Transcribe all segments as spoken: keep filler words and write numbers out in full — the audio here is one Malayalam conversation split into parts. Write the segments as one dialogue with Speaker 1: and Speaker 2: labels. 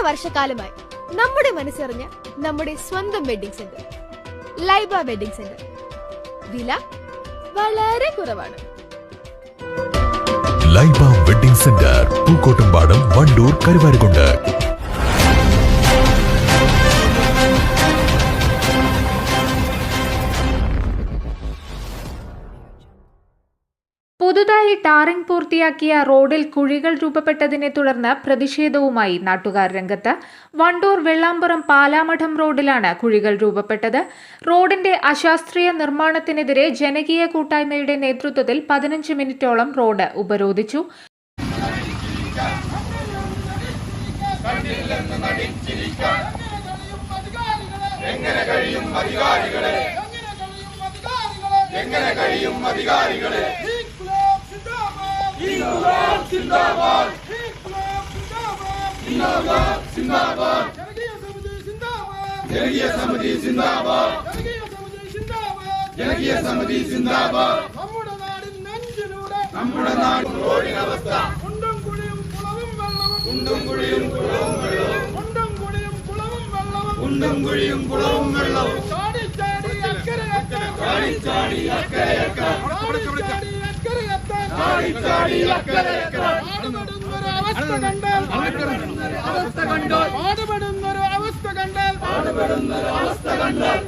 Speaker 1: വർഷക്കാലമായി നമ്മുടെ മനസ്സറിഞ്ഞ നമ്മുടെ സ്വന്തം wedding centre Laiba wedding centre. വില വളരെ കുറവാണ്.
Speaker 2: Laiba wedding centre, Pookkottumpadam, Wandoor, Karuvarakundu.
Speaker 3: പുതുതായി ടാറിംഗ് പൂർത്തിയാക്കിയ റോഡിൽ കുഴികൾ രൂപപ്പെട്ടതിനെ തുടർന്ന് പ്രതിഷേധവുമായി നാട്ടുകാർ രംഗത്ത്. വണ്ടൂർ വെള്ളാമ്പുറം പാലാമഠം റോഡിലാണ് കുഴികൾ രൂപപ്പെട്ടത്. റോഡിന്റെ അശാസ്ത്രീയ നിർമ്മാണത്തിനെതിരെ ജനകീയ കൂട്ടായ്മയുടെ നേതൃത്വത്തിൽ പതിനഞ്ച് മിനിറ്റോളം റോഡ് ഉപരോധിച്ചു.
Speaker 4: ഇൻക്ലാബ് സിന്ദാബാദ്, ഇൻക്ലാബ് സിന്ദാബാദ്, ജനകീയ സമിതി സിന്ദാബാദ്, ജനകീയ സമിതി സിന്ദാബാദ്. നമ്മുടെ നാടിൻ നെഞ്ചിലൂടെ നമ്മുടെ നാടിൻ റോഡിനവസ്ഥ കുണ്ടും കുഴിയും കുളവും വെള്ളവും, കുണ്ടും കുഴിയും കുളവും വെള്ളവും, കുണ്ടും കുഴിയും കുളവും വെള്ളവും, കുണ്ടും കുഴിയും കുളവും വെള്ളവും. ചാടി ചാടി അക്കരെ അക്കരെ, ചാടി ചാടി അക്കരെ അക്കരെ, പാടുപെടുന്നൊരു അവസ്ഥ കണ്ടാൽ അവസ്ഥ കണ്ടാൽ പാടുപെടുന്നൊരു അവസ്ഥ കണ്ടാൽ പാടുപെടുന്നൊരു അവസ്ഥ കണ്ടാൽ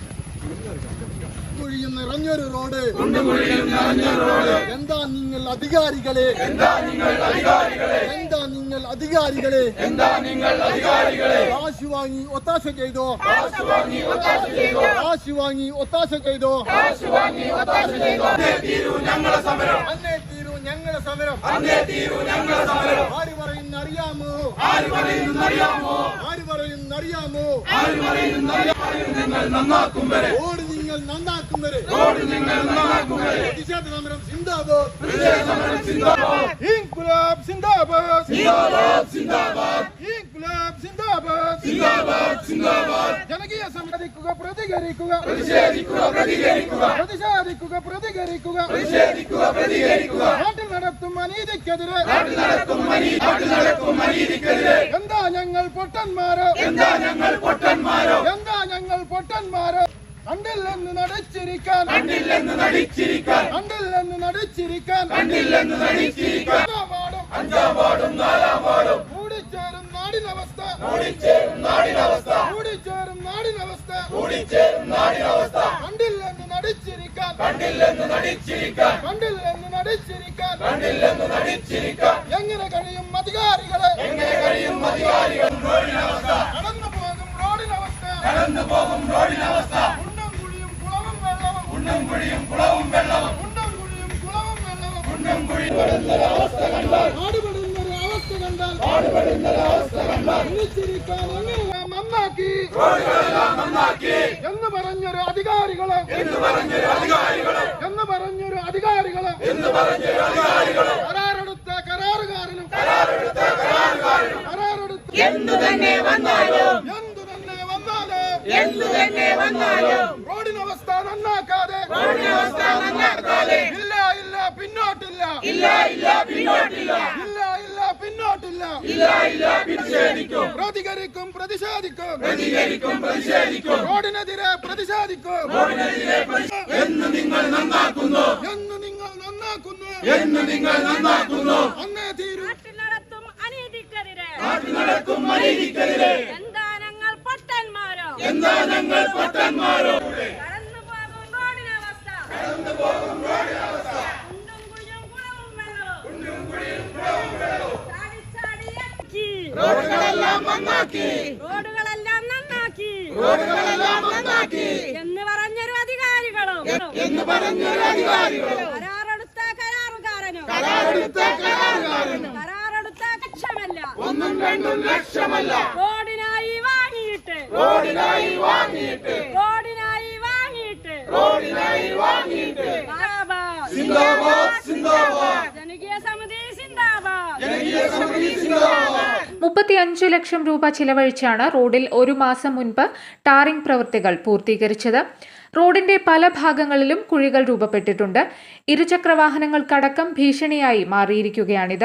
Speaker 4: കുഴിയും നിറഞ്ഞൊരു റോഡ്, കുഴിയും നിറഞ്ഞൊരു റോഡ്. എന്താ നിങ്ങൾ അധികാരികളെ, എന്താ നിങ്ങൾ അധികാരികളെ, എന്താ നിങ്ങൾ അധികാരികളെ, എന്താ നിങ്ങൾ അധികാരികളെ. കാശ് വാങ്ങി ഒത്താശ ചെയ്തോ, കാശ് വാങ്ങി ഒത്താശ ചെയ്തോ, കാശ് വാങ്ങി ഒത്താശ ചെയ്തോ, കാശ് വാങ്ങി ഒത്താശ ചെയ്തോ. അന്നേ തീരൂ ഞങ്ങളെ സമരം, അന്നേ തീരൂ ഞങ്ങളെ സമരം, അന്നേ തീരൂ ഞങ്ങളെ സമരം. ആര് പറയുന്നറിയാമോ, ആര് പറയുന്നറിയാമോ, ആര് പറയുന്നറിയാമോ, ആര് പറയുന്നറിയാമോ. നിങ്ങൾ നന്നാക്കും വരെ, റോഡ് നിങ്ങൾ നന്നാക്കും വരെ, റോഡ് നിങ്ങൾ നന്നാക്കും വരെ. പ്രതിഷേധ സമരം സിന്ദാബാദ്, പ്രതിഷേധ സമരം സിന്ദാബാദ്. ഇൻക്ലാബ് സിന്ദാബാദ്, സിന്ദാബാദ് സിന്ദാബാദ്, ഇൻക്ലാബ് സിന്ദാബാദ്, സിന്ദാബാദ് സിന്ദാബാദ്. ജനകീയ സമിതിക്കുക, പ്രതികരിക്കുക, പ്രതിഷേധിക്കുക, പ്രതികരിക്കുക, പ്രതിഷേധിക്കുക, പ്രതികരിക്കുക, പ്രതിഷേധിക്കുക, പ്രതികരിക്കുക. നാട്ടിൽ നടത്തും അനീതിക്കെതിരെ, നാട്ടിൽ നടത്തും അനീതി, നാട്ടിൽ നടത്തും അനീതിക്കെതിരെ. എന്താ ഞങ്ങൾ പൊട്ടന്മാരോ, എന്താ ഞങ്ങൾ പൊട്ടന്മാരോ, എന്താ ഞങ്ങൾ പൊട്ടന്മാരോ. കണ്ടില്ലെന്ന് നടിച്ചിരിക്കാൻ, കണ്ടില്ലെന്ന് നടിച്ചിരിക്കാൻ, കണ്ടില്ലെന്ന് നടിച്ചിരിക്കാൻ, കണ്ടില്ലെന്ന് നടിച്ചിരിക്കാൻ. അഞ്ചാം വാർഡും നാലാം വാർഡും കൂടിച്ചേരും നാടിനവസ്ഥ, കൂടിച്ചേരും നാടിനവസ്ഥ, കൂടിച്ചേരും നാടിനവസ്ഥ, കൂടിച്ചേരും നാടിനവസ്ഥ. കണ്ടില്ലെന്ന് നടിച്ചിരിക്കാൻ, കണ്ടില്ലെന്ന് നടിച്ചിരിക്കാൻ, കണ്ടില്ലെന്ന് നടിച്ചിരിക്കാൻ, കണ്ടില്ലെന്ന് നടിച്ചിരിക്കാൻ. എങ്ങനെ കഴിയും അധികാരികളെ, എങ്ങനെ കഴിയും അധികാരികൾ. റോഡിനവസ്ഥ, കടന്നു പോകും റോഡിനവസ്ഥ, കടന്നു പോകും റോഡിനവസ്ഥ. കുണ്ടും കുഴിയും കുളവും വെള്ളവും, കുണ്ടും കുഴിയും കുളവും വെള്ളവും, കുണ്ടും കുഴിയും അവസ്ഥ കണ്ടാൽ, പാടുപെടുന്നൊരു അവസ്ഥ കണ്ടാൽ, പാടുപെടുന്നൊരു അവസ്ഥ കണ്ടാൽ. ഒന്നിച്ചിരിക്കാൻ എങ്ങനെല്ലാം നന്നാക്കി, റോഡുകളെല്ലാം നന്നാക്കി എന്ന് പറഞ്ഞൊരു അധികാരികളെ, എന്ന് പറഞ്ഞൊരു അധികാരികളെ, എന്ന് പറഞ്ഞൊരു അധികാരികളെ, എന്ന് പറഞ്ഞൊരു അധികാരികളെ. കരാറെടുത്ത കരാറുകാരനും, കരാറെടുത്ത കരാറുകാരനും, കരാറെടുത്ത എന്തു തന്നെ വന്നാലും, എന്തു തന്നെ വന്നാലും, എന്തു തന്നെ വന്നാലും റോഡിനവസ്ഥ നന്നാക്കാതെ, റോഡിനവസ്ഥ നന്നാക്കാതെ. ഇല്ല ഇല്ല പിന്നോട്ടില്ല, ഇല്ല ഇല്ല പിന്നോട്ടില്ല, ഇല്ല ഇല്ല പിന്നോട്ടില്ല, ഇല്ല ഇല്ല പ്രതിഷേധിക്കും, പ്രതികരിക്കും, പ്രതിഷേധിക്കും, പ്രതികരിക്കും, പ്രതിഷേധിക്കും. റോഡിനെതിരെ പ്രതിഷേധിക്കും, റോഡിനെതിരെ. എന്ന് നിങ്ങൾ നന്നാക്കുന്നു, എന്ന് നിങ്ങൾ നന്നാക്കുന്നു, എന്ന് നിങ്ങൾ നന്നാക്കുന്നു. അന്നേ തീരും നാട്ടിൽ നടത്തും അനീതിക്കെതിരെ, നാട്ടിൽ നടത്തും അനീതിക്കെതിരെ. എന്താ ഞങ്ങൾ പൊട്ടന്മാരോ, എന്താ ഞങ്ങൾ പൊട്ടന്മാരോ. കടന്നു പോകും റോഡിനവസ്ഥ, കടന്നു പോകും റോഡിനവസ്ഥ. കുണ്ടും കുഴിയും കുളവും വെള്ളവും, കുണ്ടും കുഴിയും കുളവും വെള്ളവും. ചാടി ചാടി അക്കി റോഡുകളെല്ലാം നന്നാക്കി, റോഡുകളെല്ലാം നന്നാക്കി, റോഡുകളെല്ലാം നന്നാക്കി എന്ന് പറഞ്ഞൊരു അധികാരികളും, എന്ന് പറഞ്ഞൊരു അധികാരികളും. കരാറെടുത്ത കരാറുകാരനും, കരാറെടുത്ത കരാറുകാരനും, കരാറെടുത്ത ലക്ഷമല്ല, ഒന്നും രണ്ടും ലക്ഷമല്ല. റോഡിനായി വാങ്ങിയിട്ട്, റോഡിനായി വാങ്ങിയിട്ട്, റോഡിനായി വാങ്ങിയിട്ട്, റോഡിനായി വാങ്ങിയിട്ട്. സിന്ദാബാദ് സിന്ദാബാദ്, ജനകീയ സമിതി സിന്ദാബാദ്, ജനകീയ സമിതി സിന്ദാബാദ്.
Speaker 3: മുപ്പത്തിയഞ്ച് ലക്ഷം രൂപ ചിലവഴിച്ചാണ് റോഡിൽ ഒരു മാസം മുൻപ് ടാറിംഗ് പ്രവൃത്തികൾ പൂർത്തീകരിച്ചത്. റോഡിന്റെ പല ഭാഗങ്ങളിലും കുഴികൾ രൂപപ്പെട്ടിട്ടുണ്ട്. ഇരുചക്രവാഹനങ്ങൾക്കടക്കം ഭീഷണിയായി മാറിയിരിക്കുകയാണിത്.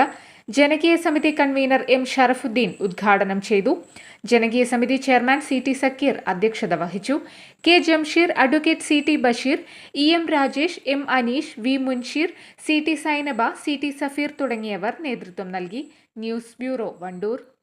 Speaker 3: ജനകീയ സമിതി കൺവീനർ എം ഷറഫുദ്ദീൻ ഉദ്ഘാടനം ചെയ്തു. ജനകീയ സമിതി ചെയർമാൻ സി ടി സക്കീർ അധ്യക്ഷത വഹിച്ചു. K Jamsheer, advocate C T Basheer, E M Rajesh, M Aneesh, V Munsheer, C T Sainaba, C T Safeer തുടങ്ങിയവർ നേതൃത്വം നൽകി. News bureau, Wandoor.